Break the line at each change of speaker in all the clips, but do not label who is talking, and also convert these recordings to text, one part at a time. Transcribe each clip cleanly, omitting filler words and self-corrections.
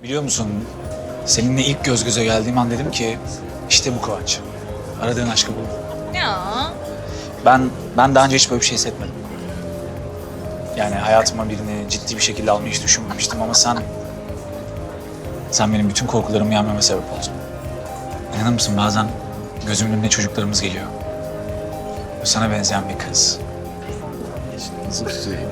Biliyor musun, seninle ilk göz göze geldiğim an dedim ki işte bu Kıvanç. Aradığın aşkı buldum.
Ya.
Ben daha önce hiç böyle bir şey hissetmedim. Yani hayatıma birini ciddi bir şekilde almayı hiç düşünmemiştim ama sen benim bütün korkularımı yenmeme sebep oldun. İnanır mısın bazen gözümün önüne çocuklarımız geliyor. Sana benzeyen bir kız.
Nasıl söyleyeyim?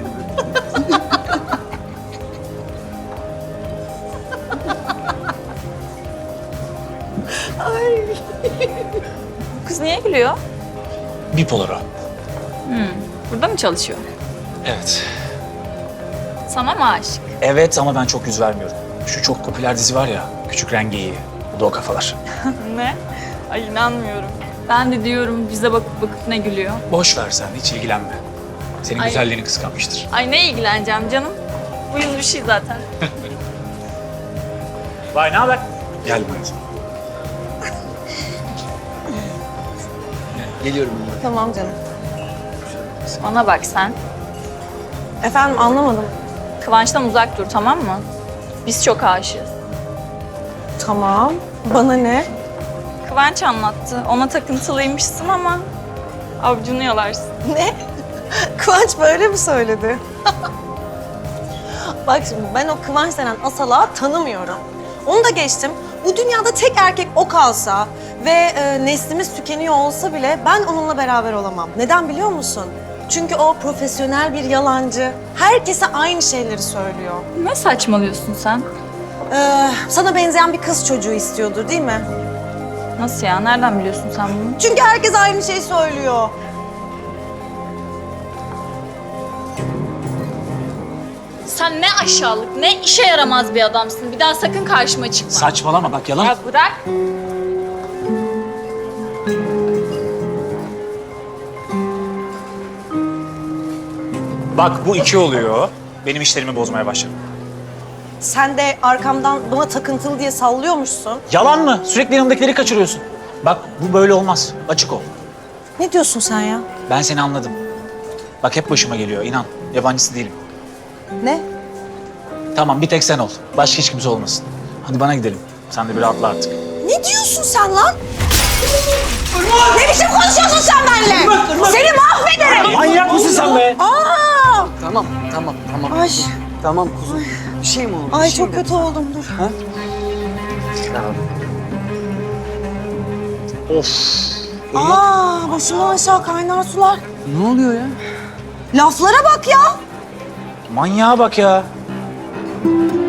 Bu kız niye gülüyor?
Bipolar o.
Burada mı çalışıyor?
Evet.
Sana mı aşık?
Evet ama ben çok yüz vermiyorum. Şu çok popüler dizi var ya, Küçük Rengeyi. Bu da o kafalar.
Ne? Ay inanmıyorum. Ben de diyorum bize bakıp bakıp ne gülüyor.
Boş ver sen, hiç ilgilenme. Senin
Ay.
güzelliğini kıskanmıştır.
Ay ne ilgileneceğim canım. Bu yıl bir şey zaten.
Vay ne haber? Gel buraya.
Geliyorum.
Tamam canım.
Bana bak sen.
Efendim anlamadım.
Kıvanç'tan uzak dur tamam mı? Biz çok aşığız.
Tamam. Bana ne?
Kıvanç anlattı. Ona takıntılıymışsın ama avucunu yalarsın.
Ne? Kıvanç böyle mi söyledi? Bak şimdi ben o Kıvanç denen asalağı tanımıyorum. Onu da geçtim. Bu dünyada tek erkek o kalsa ve neslimiz tükeniyor olsa bile ben onunla beraber olamam. Neden biliyor musun? Çünkü o profesyonel bir yalancı. Herkese aynı şeyleri söylüyor.
Ne saçmalıyorsun sen?
Sana benzeyen bir kız çocuğu istiyordur değil mi?
Nasıl ya? Nereden biliyorsun sen bunu?
Çünkü herkes aynı şeyi söylüyor.
Sen ne aşağılık, ne işe yaramaz bir adamsın. Bir daha sakın karşıma çıkma.
Saçmalama bak yalan.
Ya bırak.
Bak bu iki oluyor. Benim işlerimi bozmaya başladı.
Sen de arkamdan bana takıntılı diye sallıyormuşsun.
Yalan mı? Sürekli yanımdakileri kaçırıyorsun. Bak bu böyle olmaz. Açık ol.
Ne diyorsun sen ya?
Ben seni anladım. Bak hep başıma geliyor inan. Yabancısı değilim.
Ne?
Tamam bir tek sen ol. Başka hiç kimse olmasın. Hadi bana gidelim. Sen de bir rahatla artık.
Ne diyorsun sen lan? Ne biçim konuşuyorsun sen benimle? Seni mahvederim.
Manyak mısın sen be?
Aa!
Tamam.
Ay,
Tamam kuzum. Bir şey mi oldu?
ay
Bir şey
çok
mi
kötü oldum dur.
Tamam.
Of.
Aa, başımdan aşağı kaynar sular.
Ne oluyor ya?
Laflara bak ya.
Manyağa bak ya.